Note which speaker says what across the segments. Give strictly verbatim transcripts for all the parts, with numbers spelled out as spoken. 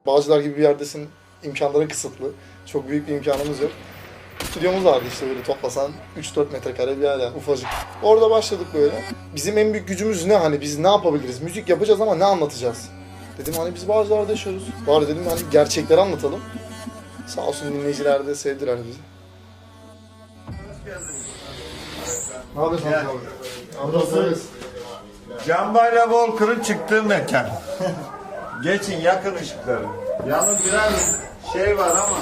Speaker 1: Bağcılar gibi bir yerdesin, imkanların kısıtlı. Çok büyük bir imkanımız yok. Stüdyomuz vardı işte böyle toplasan üç dört metrekare bir yer yani ufacık. Orada başladık böyle. Bizim en büyük gücümüz ne hani biz ne yapabiliriz? Müzik yapacağız ama ne anlatacağız? Dedim hani biz Bağcılar'da yaşıyoruz. Bari dedim hani gerçekleri anlatalım. Sağ olsun dinleyiciler de sevdiler bizi. Ne yapıyorsun abi?
Speaker 2: Burası Canbayla Walker'ın çıktığı mekan. Geçin yakın ışıkları. Yalnız biraz şey var ama.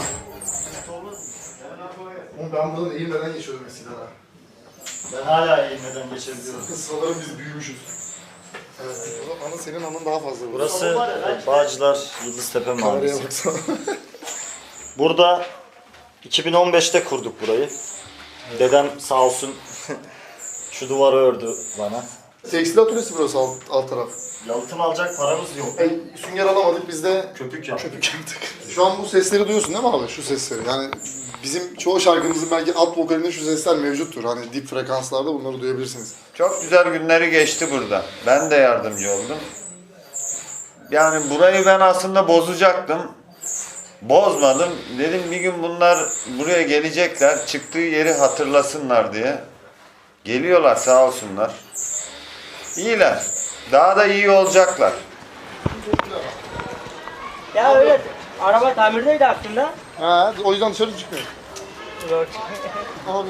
Speaker 1: Oğlum ben buradan eğilmeden geçiyordum eskiden ha.
Speaker 3: Ben hala eğilmeden geçebiliyorum.
Speaker 1: Sıralarım biz büyümüşüz. Evet. O zaman anın senin anın daha fazla.
Speaker 3: Burası Bağcılar Yıldıztepe
Speaker 1: Kameraya
Speaker 3: Mahallesi.
Speaker 1: baksana.
Speaker 3: Burada iki bin on beşte kurduk burayı. Dedem sağ olsun şu duvarı ördü bana.
Speaker 1: Tekstil atölyesi burası alt, alt taraf.
Speaker 3: Yalıtım alacak paramız yok.
Speaker 1: E, sünger alamadık biz de
Speaker 3: Köpük yaptık.
Speaker 1: köpük yaptık. Şu an bu sesleri duyuyorsun değil mi abi? Şu sesleri. Yani bizim çoğu şarkımızın belki alt vokalinde şu sesler mevcuttur. Hani dip frekanslarda bunları duyabilirsiniz.
Speaker 2: Çok güzel günleri geçti burada. Ben de yardımcı oldum. Yani burayı ben aslında bozacaktım. Bozmadım. Dedim bir gün bunlar buraya gelecekler. Çıktığı yeri hatırlasınlar diye. Geliyorlar sağ olsunlar. İyiler. Daha da iyi olacaklar.
Speaker 4: Ya öyle araba tamirdeydi aslında.
Speaker 1: Ha, o yüzden dışarı çıkmıyor.
Speaker 4: Yok.
Speaker 1: Abi.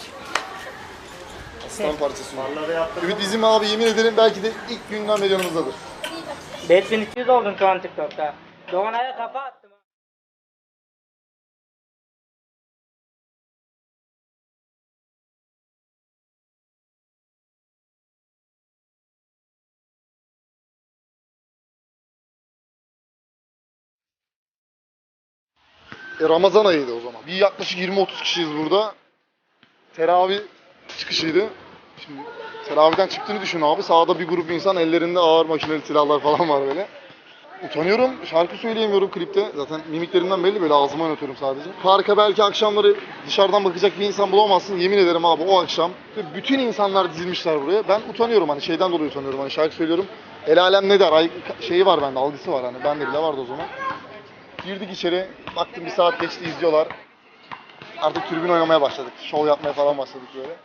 Speaker 1: Aslan parçası.
Speaker 3: Farları yaptık.
Speaker 1: Ümit bizim abi yemin ederim belki de ilk günden beri yanımızdadır.
Speaker 4: beş bin iki yüz oldun şu an TikTok'ta. Doğanay'a kafa attım.
Speaker 1: E, Ramazan ayıydı o zaman. Bir yaklaşık yirmi otuz kişiyiz burada. Teravih çıkışıydı. Şimdi teravihden çıktığını düşün abi. Sağda bir grup insan ellerinde ağır makineli silahlar falan var böyle. Utanıyorum. Şarkı söyleyemiyorum klipte. Zaten mimiklerimden belli böyle ağzıma oynatıyorum sadece. Parka belki akşamları dışarıdan bakacak bir insan bulamazsın. Yemin ederim abi o akşam bütün insanlar dizilmişler buraya. Ben utanıyorum hani şeyden dolayı utanıyorum. Hani şarkı söylüyorum. El alem ne der? Ay, şeyi var bende, algısı var hani. Bende bile vardı o zaman. Girdik içeri. Baktım bir saat geçti izliyorlar. Artık tribün oynamaya başladık. Şov yapmaya falan başladık böyle.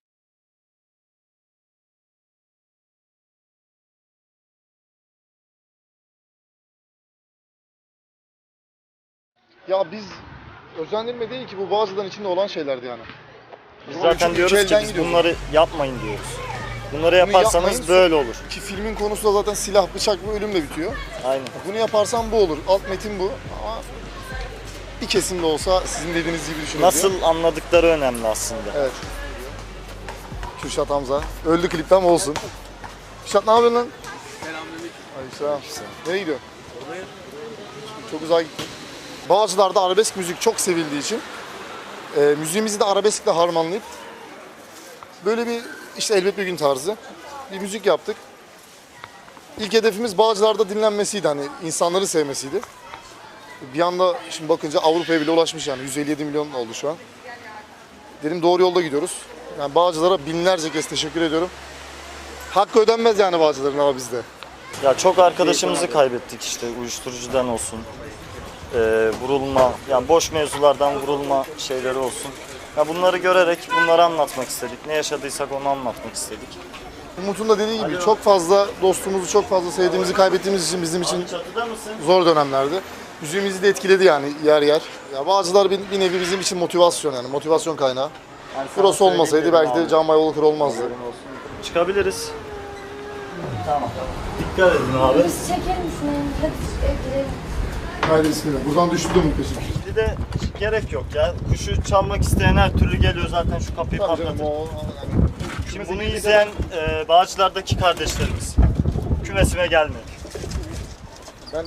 Speaker 1: Ya biz özendirme değil ki bu Bağcılar'ın içinde olan şeylerdi yani.
Speaker 3: Biz
Speaker 1: Onun
Speaker 3: zaten
Speaker 1: için
Speaker 3: diyoruz
Speaker 1: iki
Speaker 3: ki
Speaker 1: elden
Speaker 3: biz
Speaker 1: gidiyoruz.
Speaker 3: bunları yapmayın diyoruz. Bunları
Speaker 1: yapmayın,
Speaker 3: yaparsanız böyle olur.
Speaker 1: Ki filmin konusu da zaten silah, bıçak ve ölümle bitiyor.
Speaker 3: Aynen.
Speaker 1: Bunu yaparsan bu olur. Alt metin bu ama bir kesim de olsa sizin dediğiniz gibi düşünebiliyor.
Speaker 3: Nasıl anladıkları önemli aslında.
Speaker 1: Evet. Kürşat Hamza. Öldü klipten ama olsun. Kürşat ne yapıyorsun lan? Selamünaleyküm. Aleykümselam. Nereye gidiyorsun? Çok uzağa gittim. Bağcılar'da arabesk müzik çok sevildiği için e, müziğimizi de arabeskle harmanlayıp böyle bir işte elbet bir gün tarzı bir müzik yaptık. İlk hedefimiz Bağcılar'da dinlenmesiydi, hani insanları sevmesiydi. Bir anda şimdi bakınca Avrupa'ya bile ulaşmış yani yüz elli yedi milyon oldu şu an. Dedim doğru yolda gidiyoruz. Yani Bağcılar'a binlerce kez teşekkür ediyorum. Hakkı ödenmez yani Bağcılar'ın ama bizde.
Speaker 3: Ya çok arkadaşımızı kaybettik işte uyuşturucudan olsun. E, vurulma, yani boş mevzulardan vurulma şeyleri olsun. Ya bunları görerek bunları anlatmak istedik. Ne yaşadıysak onu anlatmak istedik.
Speaker 1: Umut'un da dediği gibi çok fazla dostumuzu, çok fazla sevdiğimizi kaybettiğimiz için bizim için
Speaker 3: Çatıda mısın?
Speaker 1: zor dönemlerdi. Müziğimizi de etkiledi yani yer yer. Ya Bağcılar bir, bir nevi bizim için motivasyon yani motivasyon kaynağı.
Speaker 3: Yani sana
Speaker 1: Burası olmasaydı
Speaker 3: söyleyeyim
Speaker 1: belki de
Speaker 3: abi.
Speaker 1: Can Bay Walker olmazdı.
Speaker 3: Çıkabiliriz. Tamam. Dikkat edin abi.
Speaker 5: Biz çeker misin? Hadi girelim.
Speaker 1: Haydi bismillah. Buradan düştü de muhteşem.
Speaker 3: Bir de gerek yok ya. Kuşu çalmak isteyen her türlü geliyor zaten şu kapıyı
Speaker 1: Tabii canım
Speaker 3: patlatır.
Speaker 1: o yani.
Speaker 3: Şimdi bunu izleyen e, Bağcılar'daki kardeşlerimiz kümesime gelmeyin.
Speaker 1: Ben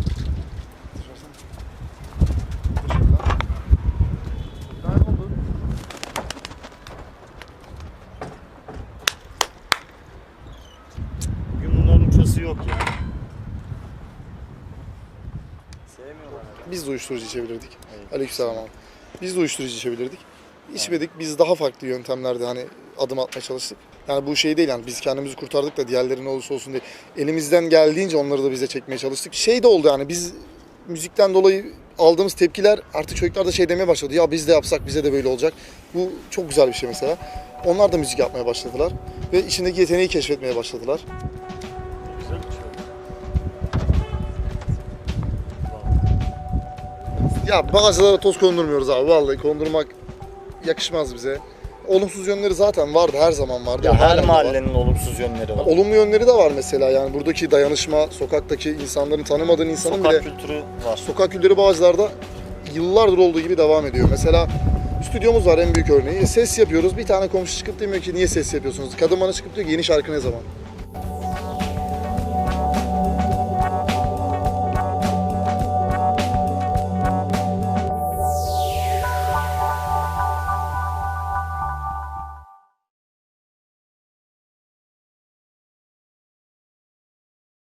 Speaker 3: Bugün bunların uçası yok ya. Sevmiyorlar.
Speaker 1: biz de uyuşturucu içebilirdik. Aleykümselam abi. Biz de uyuşturucu içebilirdik. İçmedik. Biz daha farklı yöntemlerde hani adım atmaya çalıştık. Yani bu şey değil yani biz kendimizi kurtardık da diğerleri ne olursa olsun diye. Elimizden geldiğince onları da bize çekmeye çalıştık. Şey de oldu yani biz müzikten dolayı aldığımız tepkiler artık çocuklar da şey demeye başladı. Ya biz de yapsak bize de böyle olacak. Bu çok güzel bir şey mesela. Onlar da müzik yapmaya başladılar ve içindeki yeteneği keşfetmeye başladılar. Ya bazılara toz kondurmuyoruz abi, vallahi kondurmak yakışmaz bize. Olumsuz yönleri zaten vardı, her zaman vardı.
Speaker 3: Ya
Speaker 1: halen
Speaker 3: her
Speaker 1: de var.
Speaker 3: mahallenin olumsuz yönleri var.
Speaker 1: Olumlu yönleri de var mesela, yani buradaki dayanışma, sokaktaki insanların, tanımadığın insanın
Speaker 3: Sokak
Speaker 1: bile
Speaker 3: kültürü var.
Speaker 1: sokak kültürü Bağcılar'da yıllardır olduğu gibi devam ediyor. Mesela stüdyomuz var en büyük örneği. E, ses yapıyoruz. Bir tane komşu çıkıp demiyor ki niye ses yapıyorsunuz? Kadın bana çıkıp diyor ki yeni şarkı ne zaman?